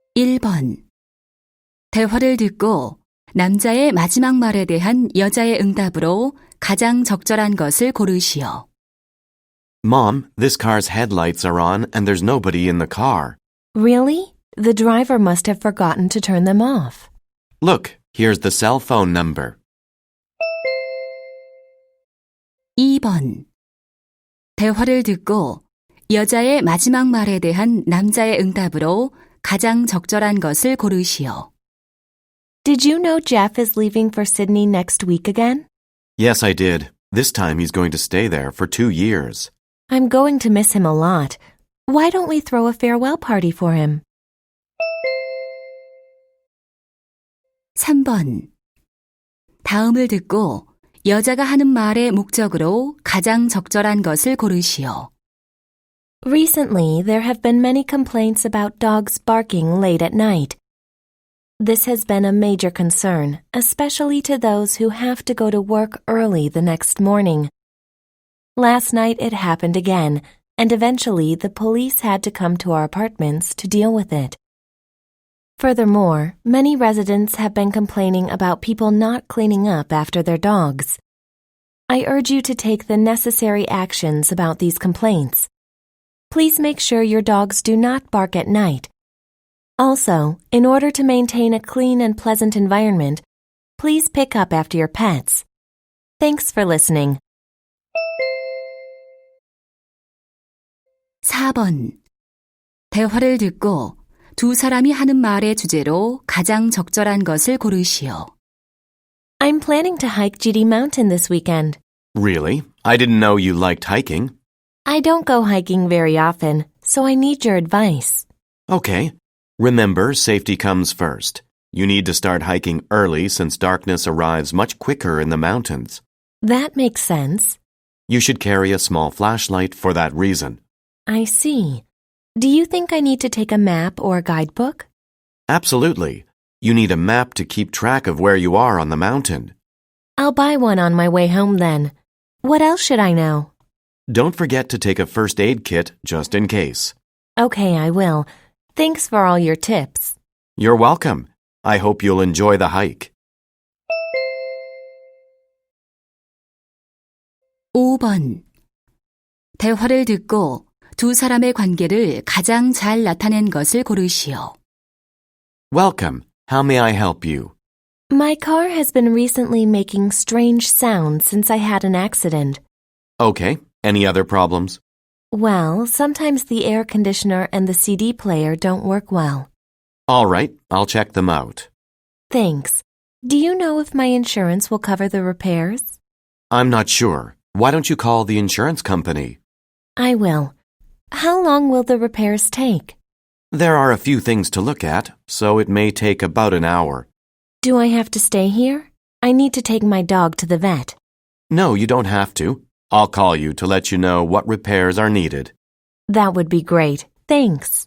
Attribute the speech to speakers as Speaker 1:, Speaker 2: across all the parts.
Speaker 1: 1번. 대화를 듣고 남자의 마지막 말에 대한 여자의 응답으로 가장 적절한 것을 고르시오.
Speaker 2: Mom, this car's headlights are on and there's nobody in the car.
Speaker 3: Really? The driver must have forgotten to turn them off.
Speaker 2: Look, here's the cell phone number.
Speaker 1: 2번. 대화를 듣고 여자의 마지막 말에 대한 남자의 응답으로 가장 적절한 것을 고르시오.
Speaker 3: Did you know Jeff is leaving for Sydney next week again?
Speaker 2: Yes, I did. This time he's going to stay there for 2 years.
Speaker 3: I'm going to miss him a lot. Why don't we throw a farewell party for him?
Speaker 1: 3번. 다음을 듣고 여자가 하는 말의 목적으로 가장 적절한 것을 고르시오.
Speaker 3: Recently, there have been many complaints about dogs barking late at night. This has been a major concern, especially to those who have to go to work early the next morning. Last night it happened again, and eventually the police had to come to our apartments to deal with it. Furthermore, many residents have been complaining about people not cleaning up after their dogs. I urge you to take the necessary actions about these complaints. Please make sure your dogs do not bark at night. Also, in order to maintain a clean and pleasant environment, please pick up after your pets. Thanks for listening.
Speaker 1: 4번. 대화를 듣고 두 사람이 하는 말의 주제로 가장 적절한 것을 고르시오.
Speaker 3: I'm planning to hike GD Mountain this weekend.
Speaker 2: Really? I didn't know you liked hiking.
Speaker 3: I don't go hiking very often, so I need your advice.
Speaker 2: Okay. Remember, safety comes first. You need to start hiking early since darkness arrives much quicker in the mountains.
Speaker 3: That makes sense.
Speaker 2: You should carry a small flashlight for that reason.
Speaker 3: I see. Do you think I need to take a map or a guidebook?
Speaker 2: Absolutely. You need a map to keep track of where you are on the mountain.
Speaker 3: I'll buy one on my way home then. What else should I know?
Speaker 2: Don't forget to take a first aid kit just in case.
Speaker 3: Okay, I will. Thanks for all your tips.
Speaker 2: You're welcome. I hope you'll enjoy the hike.
Speaker 1: 5번. 대화를 듣고 두 사람의 관계를 가장 잘 나타낸 것을 고르시오.
Speaker 2: Welcome. How may I help you?
Speaker 3: My car has been recently making strange sounds since I had an accident.
Speaker 2: Okay. Any other problems?
Speaker 3: Well, sometimes the air conditioner and the CD player don't work well.
Speaker 2: All right. I'll check them out.
Speaker 3: Thanks. Do you know if my insurance will cover the repairs?
Speaker 2: I'm not sure. Why don't you call the insurance company?
Speaker 3: I will. How long will the repairs take?
Speaker 2: There are a few things to look at, so it may take about an hour.
Speaker 3: Do I have to stay here? I need to take my dog to the vet.
Speaker 2: No, you don't have to. I'll call you to let you know what repairs are needed.
Speaker 3: That would be great. Thanks.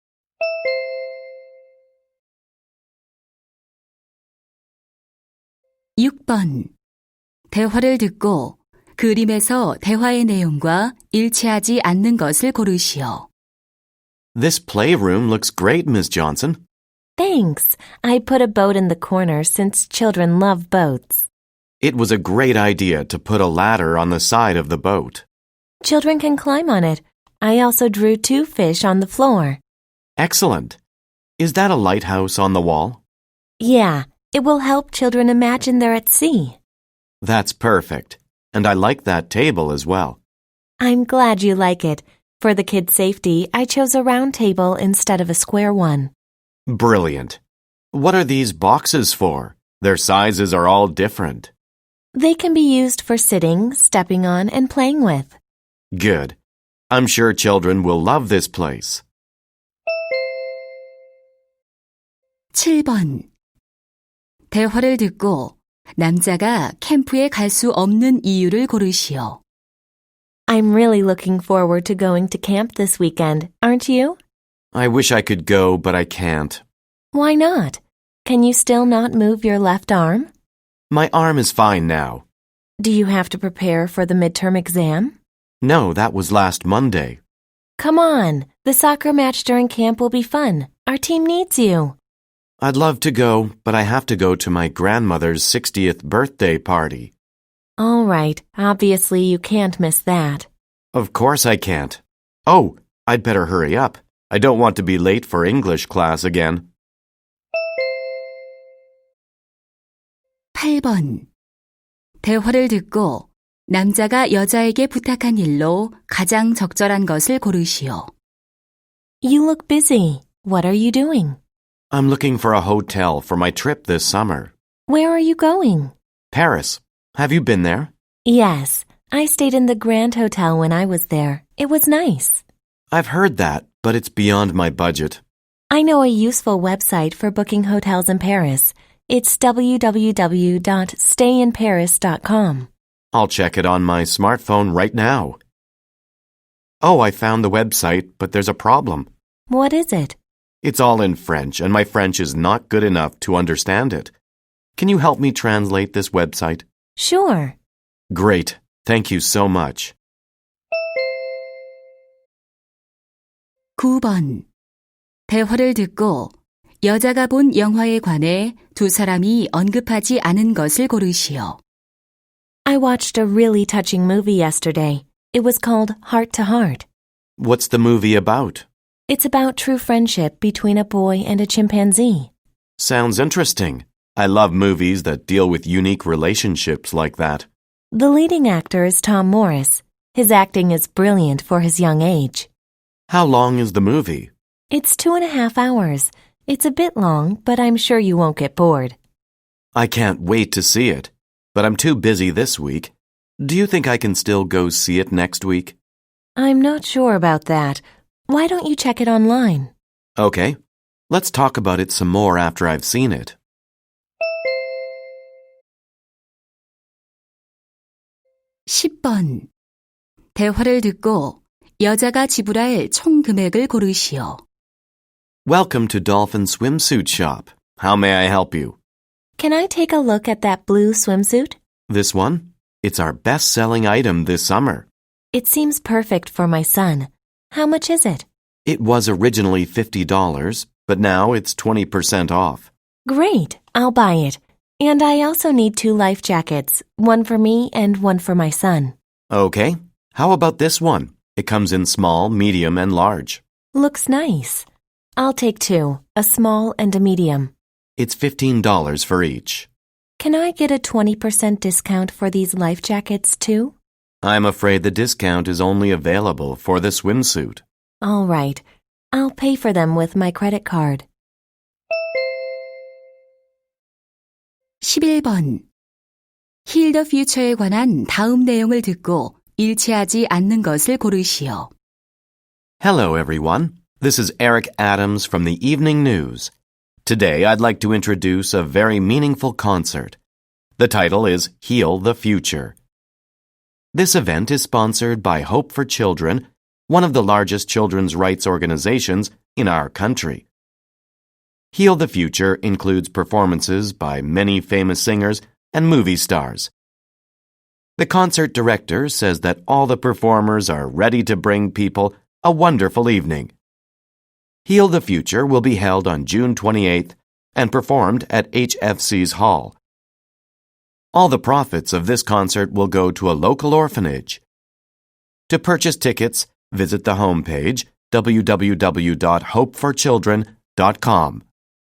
Speaker 1: 6번. 대화를 듣고 그림에서 대화의 내용과 일치하지 않는 것을 고르시오.
Speaker 2: This playroom looks great, Miss Johnson.
Speaker 3: Thanks. I put a boat in the corner since children love boats.
Speaker 2: It was a great idea to put a ladder on the side of the boat.
Speaker 3: Children can climb on it. I also drew 2 fish on the floor.
Speaker 2: Excellent. Is that a lighthouse on the wall?
Speaker 3: Yeah, it will help children imagine they're at sea.
Speaker 2: That's perfect. And I like that table as well.
Speaker 3: I'm glad you like it. For the kids' safety, I chose a round table instead of a square one.
Speaker 2: Brilliant. What are these boxes for? Their sizes are all different.
Speaker 3: They can be used for sitting, stepping on, and playing with.
Speaker 2: Good. I'm sure children will love this place.
Speaker 1: 7번. 대화를 듣고 남자가 캠프에 갈 수 없는 이유를 고르시오.
Speaker 3: I'm really looking forward to going to camp this weekend, aren't you?
Speaker 2: I wish I could go, but I can't.
Speaker 3: Why not? Can you still not move your left arm?
Speaker 2: My arm is fine now.
Speaker 3: Do you have to prepare for the midterm exam?
Speaker 2: No, that was last Monday.
Speaker 3: Come on, the soccer match during camp will be fun. Our team needs you.
Speaker 2: I'd love to go, but I have to go to my grandmother's 60th birthday party.
Speaker 3: All right, obviously you can't miss that.
Speaker 2: Of course I can't. Oh, I'd better hurry up. I don't want to be late for English class again.
Speaker 1: 8번. 대화를 듣고 남자가 여자에게 부탁한 일로 가장 적절한 것을 고르시오.
Speaker 3: You look busy. What are you doing?
Speaker 2: I'm looking for a hotel for my trip this summer.
Speaker 3: Where are you going?
Speaker 2: Paris. Have you been there?
Speaker 3: Yes, I stayed in the Grand Hotel when I was there. It was nice.
Speaker 2: I've heard that, but it's beyond my budget.
Speaker 3: I know a useful website for booking hotels in Paris. It's www.stayinparis.com.
Speaker 2: I'll check it on my smartphone right now. Oh, I found the website, but there's a problem.
Speaker 3: What is it?
Speaker 2: It's all in French, and my French is not good enough to understand it. Can you help me translate this website?
Speaker 3: Sure.
Speaker 2: Great. Thank you so much.
Speaker 1: 9번. 대화를 듣고 여자가 본 영화에 관해 두 사람이 언급하지 않은 것을 고르시오.
Speaker 3: I watched a really touching movie yesterday. It was called Heart to Heart.
Speaker 2: What's the movie about?
Speaker 3: It's about true friendship between a boy and a chimpanzee.
Speaker 2: Sounds interesting. I love movies that deal with unique relationships like that.
Speaker 3: The leading actor is Tom Morris. His acting is brilliant for his young age.
Speaker 2: How long is the movie?
Speaker 3: It's 2.5 hours. It's a bit long, but I'm sure you won't get bored.
Speaker 2: I can't wait to see it, but I'm too busy this week. Do you think I can still go see it next week?
Speaker 3: I'm not sure about that. Why don't you check it online?
Speaker 2: Okay. Let's talk about it some more after I've seen it.
Speaker 1: 10번. 대화를 듣고 여자가 지불할 총 금액을 고르시오.
Speaker 2: Welcome to Dolphin Swimsuit Shop. How may I help you?
Speaker 3: Can I take a look at that blue swimsuit?
Speaker 2: This one? It's our best-selling item this summer.
Speaker 3: It seems perfect for my son. How much is it?
Speaker 2: It was originally $50, but now it's 20% off.
Speaker 3: Great, I'll buy it. And I also need 2 life jackets, one for me and one for my son.
Speaker 2: Okay. How about this one? It comes in small, medium, and large.
Speaker 3: Looks nice. I'll take 2, a small and a medium.
Speaker 2: It's $15 for each.
Speaker 3: Can I get a 20% discount for these life jackets too?
Speaker 2: I'm afraid the discount is only available for the swimsuit.
Speaker 3: All right. I'll pay for them with my credit card.
Speaker 1: 11번. Heal the Future에 관한 다음 내용을 듣고 일치하지 않는 것을 고르시오.
Speaker 2: Hello, everyone. This is Eric Adams from the Evening News. Today, I'd like to introduce a very meaningful concert. The title is Heal the Future. This event is sponsored by Hope for Children, one of the largest children's rights organizations in our country. Heal the Future includes performances by many famous singers and movie stars. The concert director says that all the performers are ready to bring people a wonderful evening. Heal the Future will be held on June 28th and performed at HFC's Hall. All the profits of this concert will go to a local orphanage. To purchase tickets, visit the homepage www.hopeforchildren.com.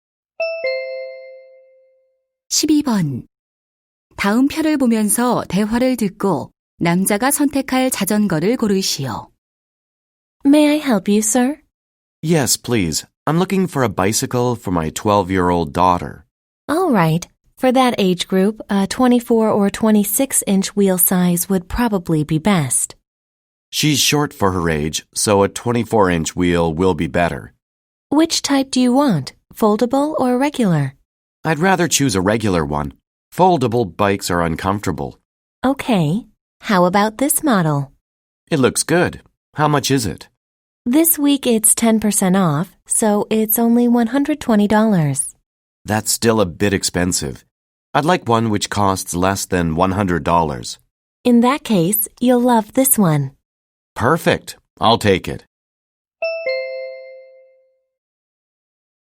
Speaker 1: 12번. 다음 표를 보면서 대화를 듣고 남자가 선택할 자전거를 고르시오.
Speaker 3: May I help you, sir?
Speaker 2: Yes, please. I'm looking for a bicycle for my 12-year-old daughter.
Speaker 3: All right. For that age group, a 24 or 26-inch wheel size would probably be best.
Speaker 2: She's short for her age, so a 24-inch wheel will be better.
Speaker 3: Which type do you want, foldable or regular?
Speaker 2: I'd rather choose a regular one. Foldable bikes are uncomfortable.
Speaker 3: Okay. How about this model?
Speaker 2: It looks good. How much is it?
Speaker 3: This week it's 10% off, so it's only $120.
Speaker 2: That's still a bit expensive. I'd like one which costs less than $100.
Speaker 3: In that case, you'll love this one.
Speaker 2: Perfect. I'll take it.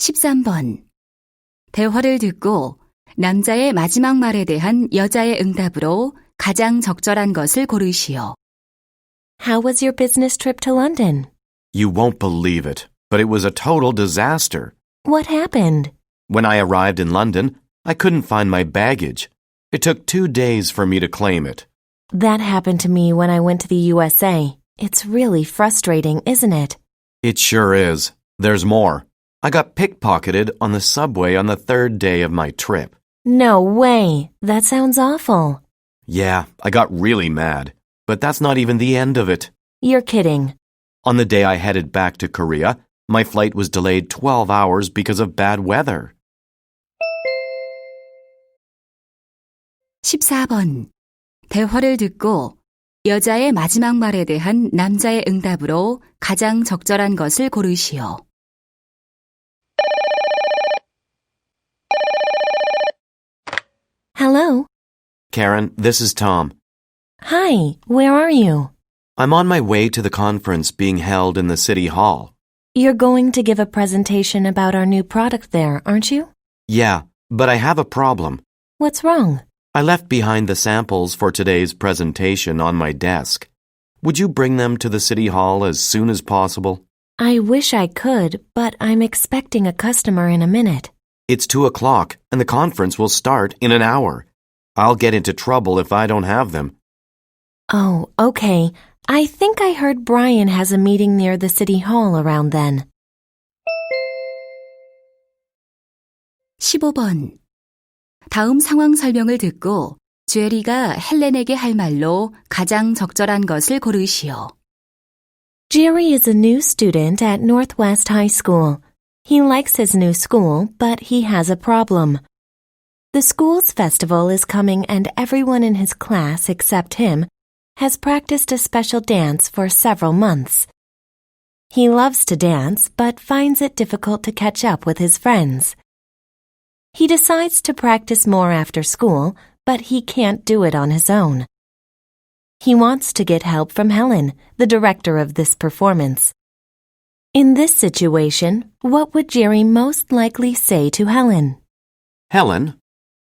Speaker 1: 13번. 대화를 듣고 남자의 마지막 말에 대한 여자의 응답으로 가장 적절한 것을 고르시오.
Speaker 3: How was your business trip to London?
Speaker 2: You won't believe it, but it was a total disaster.
Speaker 3: What happened?
Speaker 2: When I arrived in London, I couldn't find my baggage. It took 2 days for me to claim it.
Speaker 3: That happened to me when I went to the USA. It's really frustrating, isn't it?
Speaker 2: It sure is. There's more. I got pickpocketed on the subway on the 3rd day of my trip.
Speaker 3: No way. That sounds awful.
Speaker 2: Yeah, I got really mad. But that's not even the end of it.
Speaker 3: You're kidding.
Speaker 2: On the day I headed back to Korea, my flight was delayed 12 hours because of bad weather.
Speaker 1: 14번. 대화를 듣고 여자의 마지막 말에 대한 남자의 응답으로 가장 적절한 것을 고르시오.
Speaker 3: Hello.
Speaker 2: Karen, this is Tom.
Speaker 3: Hi, where are you?
Speaker 2: I'm on my way to the conference being held in the City Hall.
Speaker 3: You're going to give a presentation about our new product there, aren't you?
Speaker 2: Yeah, but I have a problem.
Speaker 3: What's wrong?
Speaker 2: I left behind the samples for today's presentation on my desk. Would you bring them to the City Hall as soon as possible?
Speaker 3: I wish I could, but I'm expecting a customer in a minute.
Speaker 2: It's 2 o'clock, and the conference will start in an hour. I'll get into trouble if I don't have them.
Speaker 3: Oh, okay. I think I heard Brian has a meeting near the City Hall around then.
Speaker 1: 15번. 다음 상황 설명을 듣고 제리가 헬렌에게 할 말로 가장 적절한 것을 고르시오.
Speaker 3: Jerry is a new student at Northwest High School. He likes his new school, but he has a problem. The school's festival is coming and everyone in his class except him has practiced a special dance for several months. He loves to dance, but finds it difficult to catch up with his friends. He decides to practice more after school, but he can't do it on his own. He wants to get help from Helen, the director of this performance. In this situation, what would Jerry most likely say to Helen?
Speaker 2: Helen,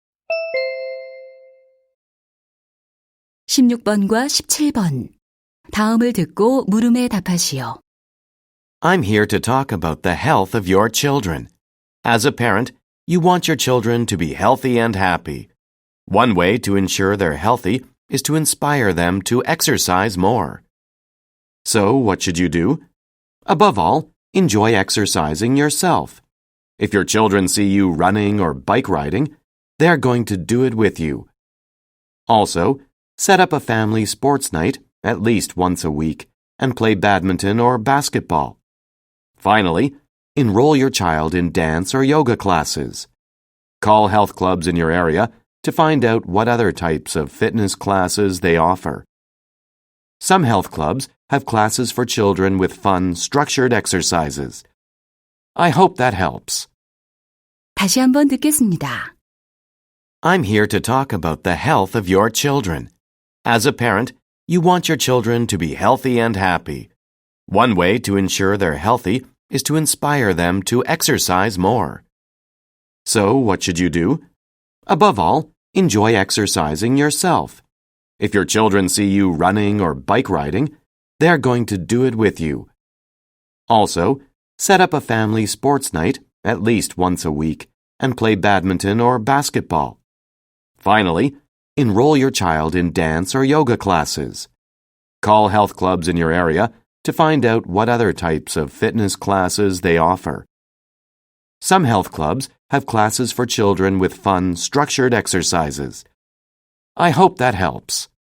Speaker 1: 16번과 17번. 다음을 듣고 물음에 답하시오.
Speaker 2: I'm here to talk about the health of your children. As a parent, you want your children to be healthy and happy. One way to ensure they're healthy is to inspire them to exercise more. So, what should you do? Above all, enjoy exercising yourself. If your children see you running or bike riding, they're going to do it with you. Also, set up a family sports night at least once a week and play badminton or basketball. Finally, enroll your child in dance or yoga classes. Call health clubs in your area to find out what other types of fitness classes they offer. Some health clubs have classes for children with fun, structured exercises. I hope that helps.
Speaker 1: 다시 한번 듣겠습니다.
Speaker 2: I'm here to talk about the health of your children. As a parent, you want your children to be healthy and happy. One way to ensure they're healthy is to inspire them to exercise more. So, what should you do? Above all, enjoy exercising yourself. If your children see you running or bike riding, they're going to do it with you. Also, set up a family sports night at least once a week and play badminton or basketball. Finally, enroll your child in dance or yoga classes. Call health clubs in your area to find out what other types of fitness classes they offer. Some health clubs have classes for children with fun, structured exercises. I hope that helps.